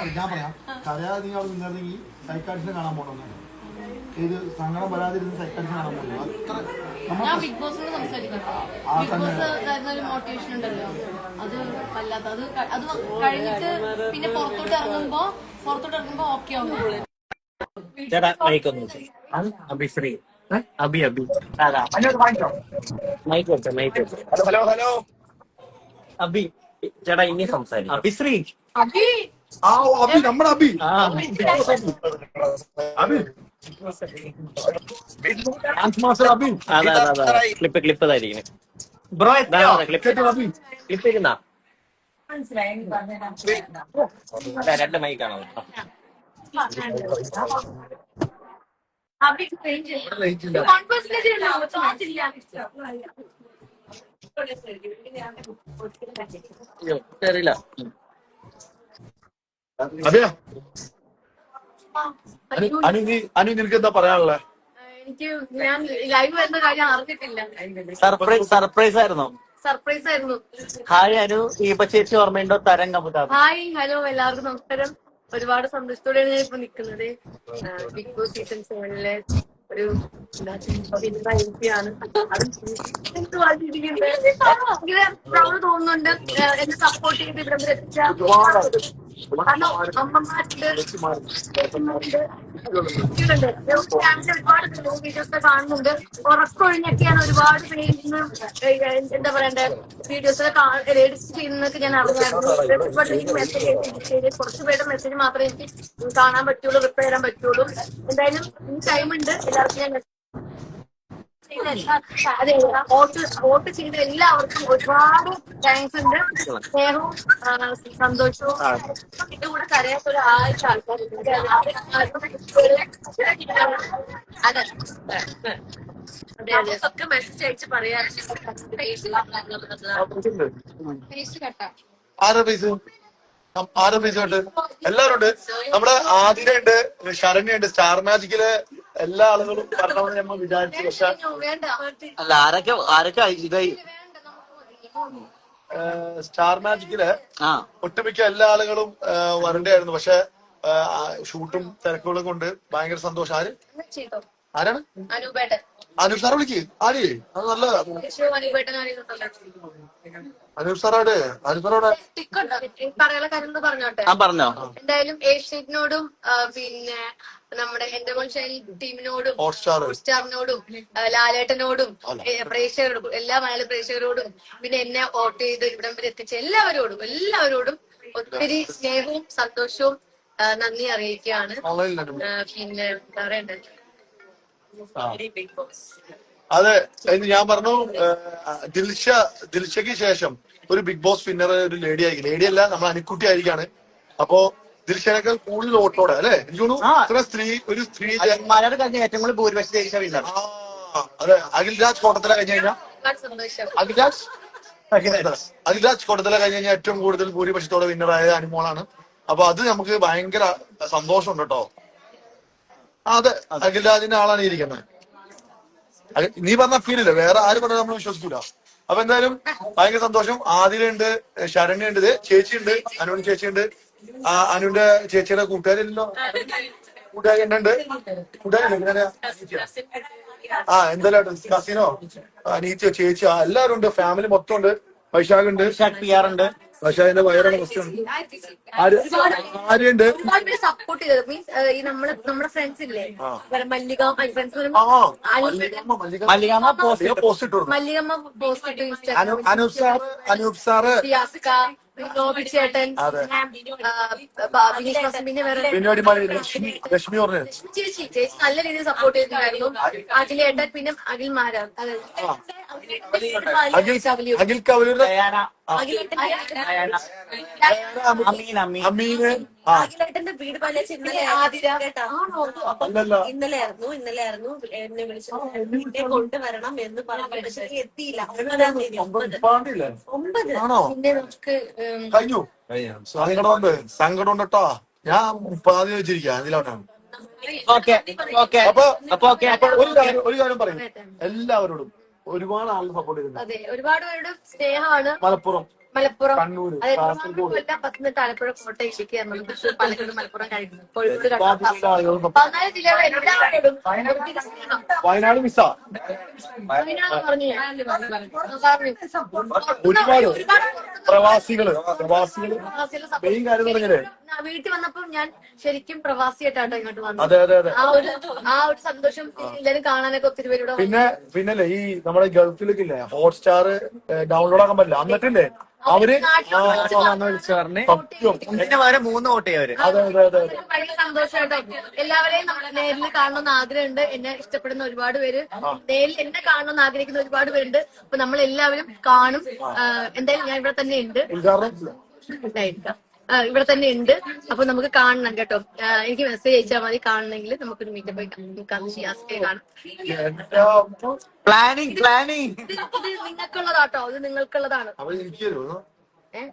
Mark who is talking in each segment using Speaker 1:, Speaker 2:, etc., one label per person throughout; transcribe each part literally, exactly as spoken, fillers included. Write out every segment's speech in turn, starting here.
Speaker 1: ഞാൻ പറയാം കരയാതെ നീ അവിടെ നിന്നിരുന്നെങ്കിൽ സൈക്കാട്രിസ്റ്റിനെ കാണാൻ പോകണമെന്നാണ്. ഇത് സങ്കടം വരാതിരുന്ന് സൈക്കാട്രിസ്റ്റിനെ കാണാൻ പോകുന്നു. അത്ര
Speaker 2: ഞാൻ ബിഗ് ബോസിനോട് സംസാരിക്കട്ടോ. ബിഗ് ബോസ് തരുന്ന ഒരു മോട്ടിവേഷൻ ഉണ്ടല്ലോ, അത് വല്ലാത്ത അത് അത് കഴിഞ്ഞിട്ട് പിന്നെ പുറത്തോട്ട് ഇറങ്ങുമ്പോ പുറത്തോട്ട് ഇറങ്ങുമ്പോ ഓക്കെ ആവും.
Speaker 3: ചേട്ടാ മൈക്കൊന്ന് അഭിശ്രീ അബി അബി മൈക്ക് വെച്ച മൈക്ക് വെച്ച
Speaker 1: ഹലോ ഹലോ
Speaker 3: അബി ചേട്ടാ ഇനി സംസാരിക്കും അഭിശ്രീ
Speaker 2: അഭി
Speaker 1: ആ അബി നമ്മുടെ അബി
Speaker 3: ആ
Speaker 1: അബി
Speaker 3: അതെ അതെ അതെ ക്ലിപ്പ് ക്ലിപ്പ് ഇതായിരിക്കും ബ്രോ ക്ലിപ്പ് ക്ലിപ്പ് ഇരുന്നാ രണ്ട് മൈക്കാണോ അറിയില്ല.
Speaker 1: അതെയോ അനു നീ അനു നിനക്ക് എന്താ പറയാനുള്ളത്?
Speaker 2: എനിക്ക് ഞാൻ ലൈവ് വരുന്ന കാര്യം അറിഞ്ഞിട്ടില്ല.
Speaker 3: സർപ്രൈസ് സർപ്രൈസ് ആയിരുന്നു.
Speaker 2: സർപ്രൈസ് ആയിരുന്നു.
Speaker 3: ഹായ് അനു ദീപ ചേച്ചി ഓർമ്മയുണ്ടോ? തരം കമുതാബ്.
Speaker 2: ഹായ് ഹലോ എല്ലാവർക്കും നമസ്കാരം. ഒരുപാട് സന്തോഷത്തോടെയാണ് ഞാൻ ഇപ്പൊ നിൽക്കുന്നത്. ബിഗ് ബോസ് സീസൺ സെവനിലെ ഒരു ആണ്. ഇങ്ങനെ പ്രൗഡ് തോന്നുന്നുണ്ട് എന്നെ സപ്പോർട്ട് ചെയ്ത് ഇവിടെ വരെ എത്തിച്ച കാരണം അമ്മമാരുണ്ട്, ഒരുപാട് വീഡിയോസ് കാണുന്നുണ്ട്. ഉറക്കൊഴിഞ്ഞൊക്കെയാണ് ഒരുപാട് പേര് എന്താ പറയണ്ടേ വീഡിയോസൊക്കെ എഡിറ്റ് ചെയ്യുന്നതൊക്കെ ഞാൻ അറിഞ്ഞായിരുന്നു. എനിക്ക് മെസ്സേജ് ചെയ്ത് കുറച്ച് പേരുടെ മെസ്സേജ് മാത്രമേ എനിക്ക് കാണാൻ പറ്റുള്ളൂ, റിപ്ലൈ ചെയ്യാൻ പറ്റുള്ളൂ. എന്തായാലും ഈ ടൈമുണ്ട്. എല്ലാവർക്കും ഞാൻ അതെ വോട്ട് വോട്ട് ചെയ്ത എല്ലാവർക്കും ഒരുപാട് താങ്ക്സ് ഉണ്ട്. സ്നേഹവും സന്തോഷവും. എന്റെ കൂടെ കരയാത്ത ഒരു ആഴ്ച ആൾക്കാരുണ്ട്. അതെ അതെ അതെ ഒക്കെ മെസ്സേജ് അയച്ച് പറയാറുണ്ട്.
Speaker 1: ആരാ പൈസ ആരാ പൈസ ഉണ്ട്? എല്ലാവരും ഉണ്ട്. നമ്മുടെ ആതിര ഉണ്ട്, ശരണ്യ ഉണ്ട്. സ്റ്റാർ മാജിക്കില് എല്ലാ ആളുകളും പറഞ്ഞവന്ന് നമ്മൾ വിചാരിച്ചു. പക്ഷെ
Speaker 3: അല്ല ആരൊക്കെ ആരൊക്കെ ഇതായി
Speaker 1: സ്റ്റാർ മാജിക്കില് ഒട്ടുമിക്ക എല്ലാ ആളുകളും വരണ്ടായിരുന്നു. പക്ഷെ ഷൂട്ടും തിരക്കുകളും കൊണ്ട് ഭയങ്കര സന്തോഷം. ആര് ആരാണ്? അനൂപ് സാറെ വിളിക്ക്. ആര്? അത് നല്ലതാ. അനൂപ് സാറോടെ അനൂപ് സാറോടെ
Speaker 2: പറയാനുള്ള കാര്യം പറഞ്ഞോട്ടെ.
Speaker 3: പറഞ്ഞോ.
Speaker 2: എന്തായാലും ഏഷ്യനോടും പിന്നെ നമ്മുടെ എന്റെ മോൾ ടീമിനോടും സ്റ്റാറിനോടും ലാലേട്ടനോടും പ്രേക്ഷകരോടും എല്ലാ മലയാളി പ്രേക്ഷകരോടും പിന്നെ എന്നെ വോട്ട് ചെയ്ത് ഇവിടം വരെ എത്തിച്ച എല്ലാവരോടും എല്ലാവരോടും ഒത്തിരി സ്നേഹവും സന്തോഷവും നന്ദി അറിയിക്കുകയാണ്. പിന്നെ എന്താ പറയണ്ടേ,
Speaker 1: അതെ ഞാൻ പറഞ്ഞു. ദിൽഷ ദിൽഷയ്ക്ക് ശേഷം ഒരു ബിഗ് ബോസ് വിന്നർ ഒരു ലേഡി ആയിരിക്കും. ലേഡി അല്ല, നമ്മൾ അനുക്കുട്ടി ആയിരിക്കാണ്. അപ്പോ ദിൽഷനേക്കാൾ കൂടുതൽ വോട്ടോടെ അല്ലെ എനിക്ക് തോന്നുന്നു സ്ത്രീ ഒരു സ്ത്രീ
Speaker 3: ഏറ്റവും കൂടുതൽ ഭൂരിപക്ഷം.
Speaker 1: അതെ അഖിൽരാജ് കോട്ടത്തില കഴിഞ്ഞു കഴിഞ്ഞാൽ അഖിൽരാജ് അഖിൽരാജ് കോട്ടത്തില കഴിഞ്ഞു കഴിഞ്ഞാൽ ഏറ്റവും കൂടുതൽ ഭൂരിപക്ഷത്തോടെ വിന്നറായത് അനുമോളാണ്. അപ്പൊ അത് നമുക്ക് ഭയങ്കര സന്തോഷമുണ്ട് കേട്ടോ. അതെ അഖിൽരാജിന്റെ ആളാണ് ഇരിക്കുന്നത്. നീ പറഞ്ഞ ഫീലില്ല, വേറെ ആര് പറഞ്ഞാൽ നമ്മൾ വിശ്വസിക്കൂല. അപ്പൊ എന്തായാലും ഭയങ്കര സന്തോഷം. ആതിരയുണ്ട്, ശരണ്യ ഉണ്ട്, ചേച്ചിയുണ്ട്, അനുവിന്റെ ചേച്ചിയുണ്ട്. ആ അനുവിന്റെ ചേച്ചിയുടെ കൂട്ടുകാരില്ലല്ലോ, കൂട്ടുകാരി ഉണ്ട്. കൂട്ടുകാരില്ല ആ എന്തായാലും കസിനോ അനീച്ചോ ചേച്ചിയോ എല്ലാവരും ഉണ്ട്. ഫാമിലി മൊത്തം ഉണ്ട്. വൈശാഖ് ഉണ്ട്, ഉണ്ട്. വൈശാഖിന്റെ വയറാണ് പ്രശ്നം. ആരുണ്ട്
Speaker 2: സപ്പോർട്ട് ചെയ്തത് മീൻസ് ഈ നമ്മള് നമ്മുടെ ഫ്രണ്ട്സ് ഇല്ലേ മല്ലിക ഫ്രണ്ട്സ്
Speaker 1: മല്ലികമ്മ പോസ്റ്റ് ഇട്ടു.
Speaker 2: മല്ലികമ്മ പോസ്റ്റ് ഇട്ടു ഇൻസ്റ്റാഗ്രാമിൽ.
Speaker 1: അനൂപ് സാറ് അനൂപ് സാറ്
Speaker 2: നോബി ചേട്ടൻ പിന്നെ
Speaker 1: രശ്മി പറഞ്ഞു
Speaker 2: ചേച്ചി ചേച്ചി നല്ല രീതിയിൽ സപ്പോർട്ട് ചെയ്തിട്ടുണ്ടായിരുന്നു. അഖിലേട്ടൻ പിന്നെ അഖിൽ മാരാൻ
Speaker 1: അഖിൽ കവലൂർ
Speaker 4: അഖിലേട്ടന്റെ വീട് പണിച്ച് ഇന്നലെ ഇന്നലെ ആയിരുന്നു ഇന്നലെ ആയിരുന്നു എന്നെ വിളിച്ചു കൊണ്ടുവരണം എന്ന് പറഞ്ഞു. പക്ഷെ എത്തിയില്ല. ഒമ്പത്
Speaker 2: പിന്നെ നമുക്ക്
Speaker 1: കഴിഞ്ഞു. സങ്കടമുണ്ട് സങ്കടമുണ്ട് കേട്ടോ. ഞാൻ മുപ്പതാം വെച്ചിരിക്കുക അതിലോട്ടാണ്. അപ്പൊ ഒരു കാര്യം ഒരു കാര്യം പറയും എല്ലാവരോടും ഒരുപാട് ആളുകൾ സപ്പോർട്ട് ചെയ്തിട്ടുണ്ട്.
Speaker 2: അതെ ഒരുപാട് പേരുടെ സ്നേഹമാണ്.
Speaker 1: മലപ്പുറം
Speaker 2: മലപ്പുറം
Speaker 1: കണ്ണൂര്,
Speaker 2: അതായത്
Speaker 1: കാസർഗോഡ്.
Speaker 2: കൊല്ലം, പത്തനംതിട്ട, ആലപ്പുഴ, കോട്ടയം, ഇടുക്കി, എറണാകുളം, തൃശ്ശൂർ, പാലക്കാട്, മലപ്പുറം, കഴിഞ്ഞു കോഴിക്കോട്,
Speaker 1: എല്ലാ
Speaker 2: കണ്ണൂർ,
Speaker 1: ജില്ലാ ആളുകളും
Speaker 2: പതിനാല് ജില്ലകൾ എല്ലാവരോടും
Speaker 1: വയനാട് മിസ്സാ
Speaker 2: വയനാട് പറഞ്ഞു ഞാൻ. പറഞ്ഞു.
Speaker 1: ഒരുപാട്
Speaker 2: ഒരുപാട്
Speaker 1: പ്രവാസികള് പ്രവാസികള്
Speaker 2: പ്രവാസികളെ
Speaker 1: മെയിൻ കാര്യം എന്ന് പറഞ്ഞാലേ
Speaker 2: ആ, വീട്ടിൽ വന്നപ്പോ ഞാൻ ശരിക്കും പ്രവാസിയായിട്ടാട്ടോ ഇങ്ങോട്ട് വന്നത്.
Speaker 1: അതെ അതെ അതെ
Speaker 2: ആ ഒരു ആ ഒരു സന്തോഷം എല്ലാരും കാണാനൊക്കെ ഒത്തിരി പേരുടെ
Speaker 1: പിന്നെ പിന്നല്ലേ ഈ നമ്മുടെ ഗൾഫിലൊക്കെ ഇല്ലേ ഹോട്ട്സ്റ്റാർ ഡൗൺലോഡ് ആക്കാൻ പറ്റില്ല എന്നിട്ടില്ലേ അവര് സത്യം
Speaker 3: ഇതിന് പകരം മൂന്ന് വോട്ട് ചെയ്യും അവര്.
Speaker 1: അതെ അതെ അതെ അതെ
Speaker 2: ഭയങ്കര സന്തോഷമായിട്ടോ. എല്ലാവരെയും നമ്മൾ നേരിൽ കാണണമെന്ന് ആഗ്രഹമുണ്ട്. എന്നെ ഇഷ്ടപ്പെടുന്ന ഒരുപാട് പേര്, നേരിൽ എന്നെ കാണണമെന്ന് ആഗ്രഹിക്കുന്ന ഒരുപാട് പേരുണ്ട്. അപ്പൊ നമ്മൾ എല്ലാവരും കാണും. ആ, എന്തായാലും ഞാൻ ഇവിടെ തന്നെ ഉണ്ട്.
Speaker 1: ഉദ്ഘാടനം
Speaker 2: ഇതായിരിക്കാം. ആ, ഇവിടെ തന്നെ ഉണ്ട്. അപ്പൊ നമുക്ക് കാണണം കേട്ടോ. ആ, എനിക്ക് മെസ്സേജ് അയച്ചാൽ മതി കാണണമെങ്കിൽ. നമുക്കൊരു മീറ്റപ്പ് നമുക്ക് ഷിയാസിനെ കാണാം.
Speaker 3: പ്ലാനിങ് പ്ലാനിങ്
Speaker 2: ഇത് ഇത് നിങ്ങൾക്കുള്ളതാട്ടോ. ഇത് നിങ്ങൾക്കുള്ളതാണ്.
Speaker 1: അവര് എനിക്ക് തരുമോ
Speaker 2: ഏഹ്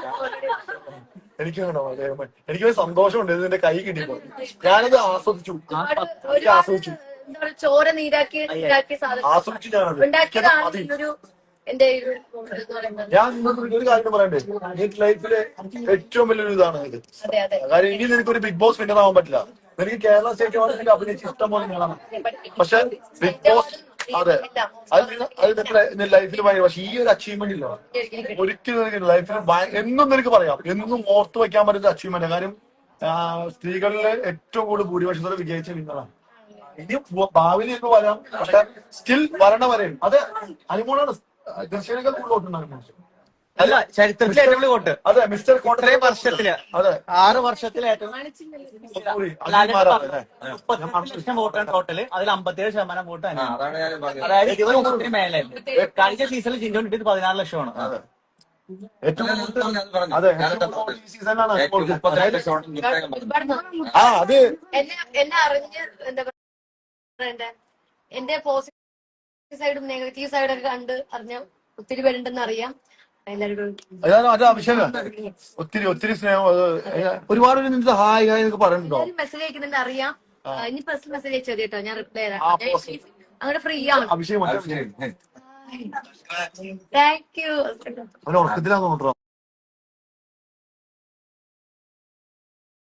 Speaker 1: എനിക്ക് വേണോ എനിക്ക് സന്തോഷമുണ്ട് ഇതിന്റെ കൈ കിട്ടിയപ്പോ ഞാനത് ആസ്വദിച്ചു
Speaker 2: ഒരു
Speaker 1: ആസ്വദിച്ചു
Speaker 2: എന്താ പറയുക, ചോര നീരാക്കി നീരാക്കിയ സാധനം
Speaker 1: ആസ്വദിച്ചു ഞാനത്
Speaker 2: ഉണ്ടാക്കിയതാണ്
Speaker 1: മതി.
Speaker 2: ഒരു എന്റെ ഒരു എന്ന് പറയുന്നത്.
Speaker 1: ഞാൻ നിങ്ങൾക്ക് ഒരു കാര്യം പറയണ്ടേ എന്റെ ലൈഫിലെ ഏറ്റവും വലിയൊരു ഇതാണ് ഇത്.
Speaker 2: അതെ അതെ
Speaker 1: കാര്യം ഇനി നിനക്കൊരു ബിഗ് ബോസ് വിന്നർ ആവാൻ പറ്റില്ല. എനിക്ക് കേരള സ്റ്റേറ്റ് അവാർഡിൽ അഭിനയിച്ച് ഇഷ്ടം പോലെ കാണാം. പക്ഷെ ബിഗ് ബോസ് അതെ അത് നിങ്ങ- അത് നിന്റെ ലൈഫിൽ ഭയങ്കര പക്ഷെ ഈ ഒരു അച്ചീവ്മെന്റ് ഇല്ല ഒരിക്കലും നിനക്ക് ലൈഫിൽ എന്നും നിനക്ക് പറയാം എന്നും ഓർത്ത് വെക്കാൻ പറ്റുന്ന അച്ചീവ്മെന്റ്. കാര്യം ആ, സ്ത്രീകളിലെ ഏറ്റവും കൂടുതൽ ഭൂരിപക്ഷത്തോടെ വിജയിച്ച വിന്നറാണ്. ഇനി ഭാവിയിൽ ഇപ്പൊ വരാം പക്ഷെ സ്റ്റിൽ വരണ വരെയും അത് അനുമോളാണ് ദർശനങ്ങൾ കൂടുതൽ വോട്ടുണ്ടാകും.
Speaker 3: അല്ല ചരിത്രത്തിലെ ഏറ്റവും വലിയ വോട്ട്.
Speaker 1: അതെ മിസ്റ്റർ
Speaker 3: ഇത്രയും വർഷത്തില്
Speaker 1: അതെ
Speaker 3: ആറ് വർഷത്തിലെ ഏറ്റവും
Speaker 1: സോറി, അഖിൽമാരാണ് അല്ലേ?
Speaker 3: മുപ്പത്തി ലക്ഷം വോട്ടാണ് ടോട്ടല്. അതിൽ അമ്പത്തിയേഴ് ശതമാനം വോട്ട് തന്നെ.
Speaker 5: അതാണ് ഞാൻ പറഞ്ഞത്.
Speaker 3: അതായത് ഇരുപത് ലക്ഷത്തിന് മേലായിരുന്നു. കഴിഞ്ഞ സീസണിൽ ജിൻഡോ കിട്ടിയത് പതിനാറ് ലക്ഷമാണ്.
Speaker 1: അതെ ഏറ്റവും
Speaker 5: ഞാൻ
Speaker 1: കൂടുതൽ
Speaker 5: അത് പറഞ്ഞു.
Speaker 1: അതെ
Speaker 5: ഞാനത്
Speaker 1: ഏറ്റവും കൂടുതൽ ഈ സീസണിലാണ്
Speaker 5: ഏറ്റവും
Speaker 1: അനുമോൾക്ക്.
Speaker 5: മുപ്പത്തിരണ്ട് ലക്ഷം വോട്ട് ഇത്രയും പറഞ്ഞു.
Speaker 2: ഒരുപാട് നന്ദി.
Speaker 1: ആ അത്
Speaker 2: എന്നെ എന്നെ അറിഞ്ഞ് എന്താ പറയണ്ടേ, എന്റെ പോസിറ്റീവ് സൈഡും നെഗറ്റീവ് സൈഡും ഒക്കെ കണ്ട് അറിഞ്ഞ ഒത്തിരി പേരുണ്ടെന്ന് അറിയാം. എല്ലാവരോടും
Speaker 1: അതാണ് അത് അഭിഷേകം ഒത്തിരി ഒത്തിരി സ്നേഹം അത് ഒരുപാട് പേര് നിന്റെ ഹായ് ഹായ് എന്നൊക്കെ പറയുന്നുണ്ടോ?
Speaker 2: എല്ലാവരും മെസ്സേജ് അയക്കുന്നുണ്ട് അറിയാം. ആ, ഇനി പേഴ്സണൽ മെസ്സേജ് അയച്ചാൽ കേട്ടോ, ഞാൻ റിപ്ലൈ തരാം.
Speaker 1: ആ,
Speaker 2: ഞാൻ
Speaker 1: personal.
Speaker 2: അങ്ങോട്ട് ഫ്രീ ആണ്.
Speaker 1: അഭിഷേകം
Speaker 5: അത് ശരി.
Speaker 2: Thank you.
Speaker 1: അവന് ഉറക്കത്തിലാന്ന് തോന്നുന്നു.